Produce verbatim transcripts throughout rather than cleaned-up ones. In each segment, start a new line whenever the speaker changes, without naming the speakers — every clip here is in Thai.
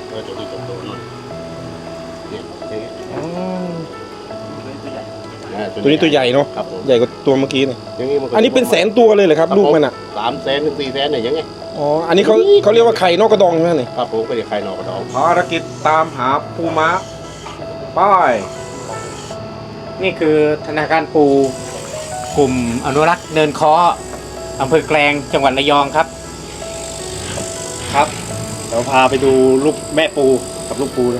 เออตัวนี้โตๆหน่อยเนี่ยอย่างเงี้ย
อ๋อ
อ่า
ตัวนี้ตัวใหญ่เนาะ
ครับผม
ใหญ่กว่าตัวเมื่อกี้เนี่ย
อย่างงี้มัก็
อันนี้เป็นแสนตัวเลยเหรอครับลูกมันอ่ะ
สามแสนถึงสี่แสนเนี่ยยังไง
อ๋ออันนี้เขาเขาเรียกว่าไข่นอกกระดองใช่ไหมนี่
ครับผมก็จะใครนอกกระดอง
ภารกิจตามหาปูม้าป้าย
นี่คือธนาคารปูกลุ่มอนุรักษ์เนินค้ออำเภอแกลงจังหวัดระยองครับ ครับเราพาไปดูลูกแม่ปูกับลูกปูนะ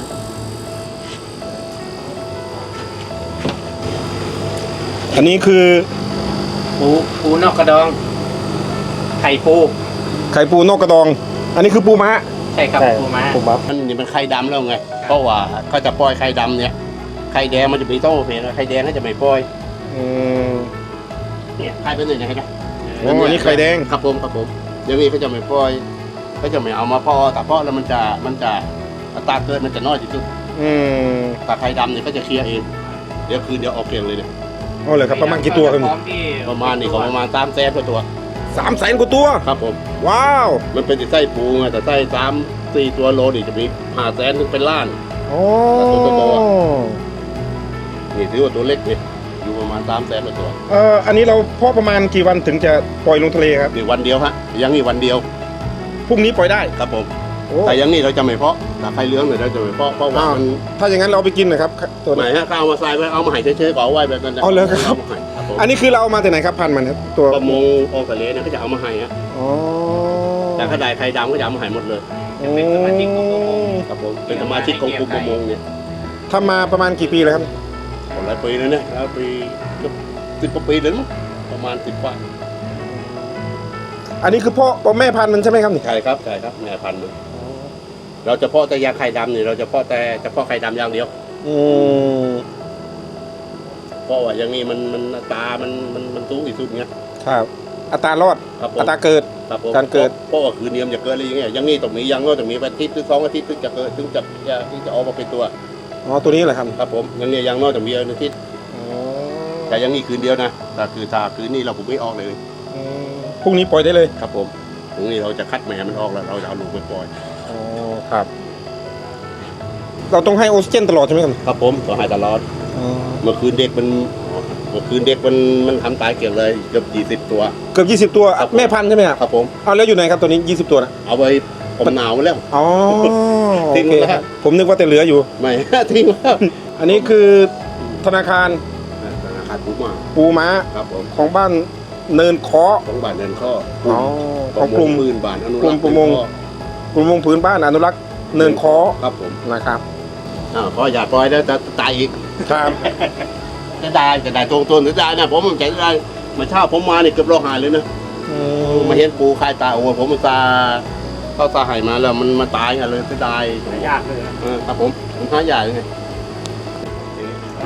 อันนี้คือ
ปูปูนอกกระดอง ไข่ปู
ไข่ปูนอกกระดอง อันนี้คือปูม้า
ใช่ครับปูม้า
ปูม้า
มันนี่มันไข่ดำแล้วไงเพราะว่าเขาจะปล่อยไข่ดำเนี่ยไข่แดงมันจะมีโต้เพลไข่แดงก็จะไม่ปล่อย
อืม
เนี่ยไข่เป็นหนึ่งนะเห็นไหม
อ๋ออันนี้ไข่แดง
ครับผมครับผมอย่างนี้เขาจะไม่ปล่อยเขาจะไม่เอามาเพอแต่เพาะแล้วมันจะมันจะอัตราเกิดมันจะน้อยที่สุด
อืม
แต่ไข่ดำเนี่ยก็จะเคลียร์เองเดี๋ยวคืนเดี๋ยวออกเกลียงเลยเนี่ย
เอาเลยครับประมาณกี่ตัวครับ
พร้อมที่
ประมาณนี่ก็ประมาณสามแสนตัว
สามแสนกว่าตัว
ครับผม
ว้าว
มันเป็นไส้ปูไงแต่ไส้สามสี่ตัวโลนี่จะมีห้าแสนถึงเป็นล้าน
โอ้
ตัวโต นี่ถือว่าตัวเล็กเนี่ยอยู่ประมาณสามแสนตัว
เอ่ออันนี้เราเพาะประมาณกี่วันถึงจะปล่อยลงทะเลครับ
นี่วันเดียวฮะยังนี่วันเดียว
พรุ่งนี้ปล่อยได้
ครับผม
โอ้
แต่ยังนี่เราจะไม่เพาะแต่ไข่เหลื้องเนี่ยเราจะไม่เพาะเพราะว่า
อ้าว
มัน
ถ้าอย่างนั้นเราเอาไปกินหนะครับตัว
ไหน
นี้
ฮะก็เอามาใส่ไว้เอามาให้เฉยๆก็เอาไว้แบบนั้นนะ
เอาเลยครับ
ามาให้ครับผม
อันนี้คือเราเอามาแต่ไหนครับพันธุ์มันครับตัว
ประมงออกทะเลเนี่ยเขาจะเอามาให้ฮะ
อ๋อ
แต่ถ้าได้ไข่ดำก็จะเอามาให้หมดเลย
เป็นสมาชิกของกลุ่ม
ครับผมเป็นสมาชิกของกลุ่มประมงเนี่ย
ทำมาประมาณกี่ปีแล้วครับ
หลายปีแล้วเนี่ยแล้วปีสิบกว่าปีเลยมั้งประมาณสิบกว่า
อันนี้คือพ่อพ่อแม่พันธุ์มันใช่ไหมครับนี่
ใช่ครับใช่ครับแม่พันธุ์มันเราจะเพาะแต่ยาไข่ดำเนี่ยเราจะเพาะแต่เฉพาะไข่ดำอย่างเดียว
อืม
เพราะว่าอย่างนี้มันมันอัตรามันมันมันสูงที่สุดเงี้ย
ครับอัตรารอด
ครับผม
อัตราเกิด
ครับผม
การเกิด
เพราะว่าคืนเดียวจะเกิดอะไรอย่างเงี้ยอย่างนี้ตรงนี้ยังก็ตรงนี้อาทิตย์หรือสองอาทิตย์ถึงจะเกิดถึงจะจะที่จะออกมาเป็นตัว
อ๋อตัวนี้เหรอครับ
ครับผมอย่างนี้ยังนอกจากมีอาทิตย์
อ๋อ
แต่อย่างนี้คืนเดียวนะแต่คือถ้าคืนนี้เราผมไม่ออกเลย
อืมพรุ่งนี้ปล่อยได้เลย
ครับผมตรงนี้เราจะคัดแม่มันออกแล้วเราจะเอาลูกไปปล่อย
อ๋อครับ เราต้องให้ออกซิเจนตลอดใช่ไหมครับ
ครับผมก็ให้ตลอด
อ๋อ
เมื่อคืนเด็กมันเมื่อคืนเด็กมันมันทำตายเกลี้ยงเลยเกือบยี่สิบตัว
เกือบยี่สิบตัว
ครับผม
แม่พันธุ์ใช่ไหมครับ
ครับผม
เอาแล้วอยู่ไหนครับตัวนี้ยี่สิบตัวนะ
เอาไว้ผมหนาวแล้ว
อ๋อ
ทิ้ง
โอเค
แล้ว
ครับผมนึกว่าแต่เหลืออยู่
ไม่ ทิ้งแล้ว
อันนี้คือธนาคาร
ธนาคารปูมา
ปูม้า
ครับผม
ของบ้านเนินเคาะ
ของบ้านเดินข้อ
อ๋อของกลุ่ม
ปืนบ้านอนุ
กลุ่
รั
ม
กษ์
ประมง กลุ่มประมงพื้นบ้านอนุรักษ์เนินเคาะ
ครับผม
นะครับ
อ่าพออย่าปล่อยแล้วจะตายอีก
ครับ
จะได้จะได้ตรงตัวหรือได้นะผมใจได้มาเช่าผมมาเนี่ยเกือบโลหายเลยนะ
อื
มาเห็นปูคายตายโอ้ผมมันตาเข้าตาหายมาแล้วมันมาตายกันเลยจะได้
ยากเลยนะ
เออครับผมผมหาใหญ่ไง
อ๋อ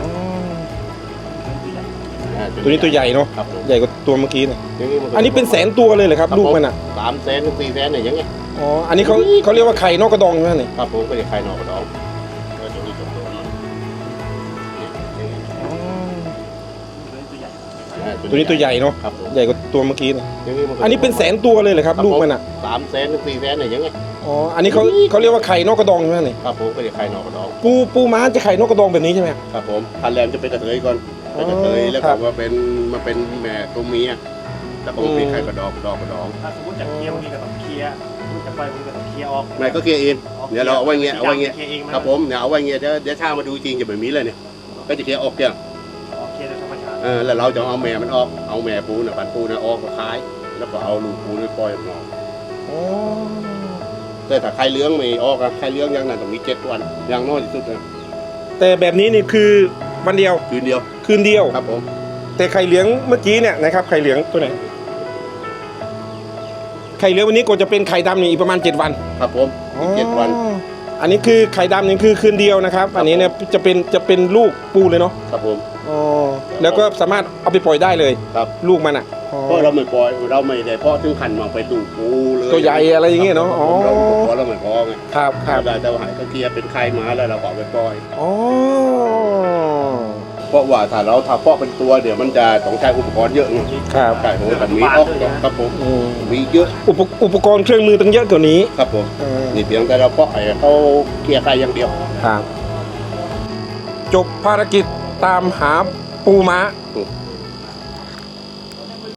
อ่า
ตัวนี้ตัวใหญ่เนาะ
ครับผม
ใหญ่กว่าตัวเมื่อกี้เนี่ย
ย่างมัก็
อันนี้เป็นแสนตัวเลยเหรอครับ
ครับ
ลูกมันอ่ะ
สามแสนถึงสี่แสนเนี่ยยังไง
อ๋อ อันนี้เขาเขาเรียกว่าไข่นอกกระดองใช่ไหมนี่
ครับผมก็จะใครนอกกระดองเออตัวนี้ตัวโตหน่อยเนี่ยอย่างนี้
อ๋อ
อ่า
ตัวนี้ตัวใหญ่เนาะ
ครับผม
ใหญ่กว่าตัวเมื่อกี้เนี่ย
ย่างมัก็
อันนี้เป็นแสนตัวเลยเหรอครับลูกมันอ่ะ
สามแสนถึงสี่แสนเนี่ยยังไง
อ๋อ อันนี้เขาเขาเรียกว่าไข่นอกกระดองใช่ไหมนี่
ครับผมก็จะใครนอกกระดอง
ปูปูม้าจะไข่นอกกระดองแบบนี้ใช่ไหมครับ
ครับผมพันแรมจะเป็นกระเทยก่อน
อ๋อ
เป็นกระเทยแล้ว
ครั
ก็
บ
มาเป็นมาเป็นแม่ตัวเมียแล้วก็มาเป็นไข่กระดอกดอกกระดอง
ถ้าสมมติจะเคลียร์บางทีก็ต้องเคลียร์สมมติจะปล่อยบางทีก็ต้องเคลียร์ออก
แม่ก็เคลียร์เองเดี๋ยวเราเอาไว้เงี้ยเอาไว้เงี้ย
คลีร์เองไห
ครับผมเนี่ยเอาไว้เงี้ยเดี๋ยวเดี๋ยวถ้ามาดูจริงจะแบบนี้เลยเนี่ยก็จะเคลียร์ออกเกลี้ยง
อ๋อเคลียร์โดยธรรมชาติ
เออแล้วเราจะเอาแม่มันออกเอาแม่ปูน่ะปันปูน่ะออกมาขาย แล้วก็เอาลูกปูไปปล่อยออกมา
อ๋อ
แต่ถ้าไข่เลี้ยงไม่ออกอะไข่เลี้ยงอย่างนั้นต้องมีเจ็ดวันอย่างน้อยที่สุดนะ
แต่แบบนี้นี่คือวันเดียว
คืนเดียว
คืนเดียว
ครับผม
แต่ไข่เหลืองเมื่อกี้เนี่ยนะครับไข่เหลืองตัวไหนไข่เหลืองวันนี้ก็จะเป็นไข่ดำนี่อีกประมาณเจ็ดวัน
ครับผมอีกเจ็ดวัน
อ๋ออันนี้คือไข่ดำนี่คือคืนเดียวนะครับ อันนี้เนี่ยจะเป็นจะเป็นลูกปูเลยเนาะ
ครับผม
อ๋อแล้วก็สามารถเอาไปปล่อยได้เลย
ครับ
ลูกมันอ่ะอ๋อ
เพราะเราไม่ปล่อยเราไม่ได้เพราะถึงขันมาไปดูกปูเลย
ตัวใหญ่อะไรอย่างเงี้ยเนาะอ๋อ
เราเพราะเราไม่พอไง
ครับครับ
เราได้แต่ว่าหายก็เคลียร์เป็นไข่มาแล้วเราก็เอาไปปล่อย
อ๋อ
เพราะว่าถ้าเราทำเพาะเป็นตัวเดี๋ยวมันจะต้องใช้อุปกรณ์เยอะไง
ครับ
ใช่ผมแต่มีออกครับผม
อืม
มีเยอะ
อุปอุปกรณ์เครื่องมือต้องเยอะกว่านี้
ครับผม
เออ
นี่เพียงแต่เราเพาะไอ้เขาเกลี่ยไข่อย่างเดียว
ครับจบภารกิจตามหาปูม้า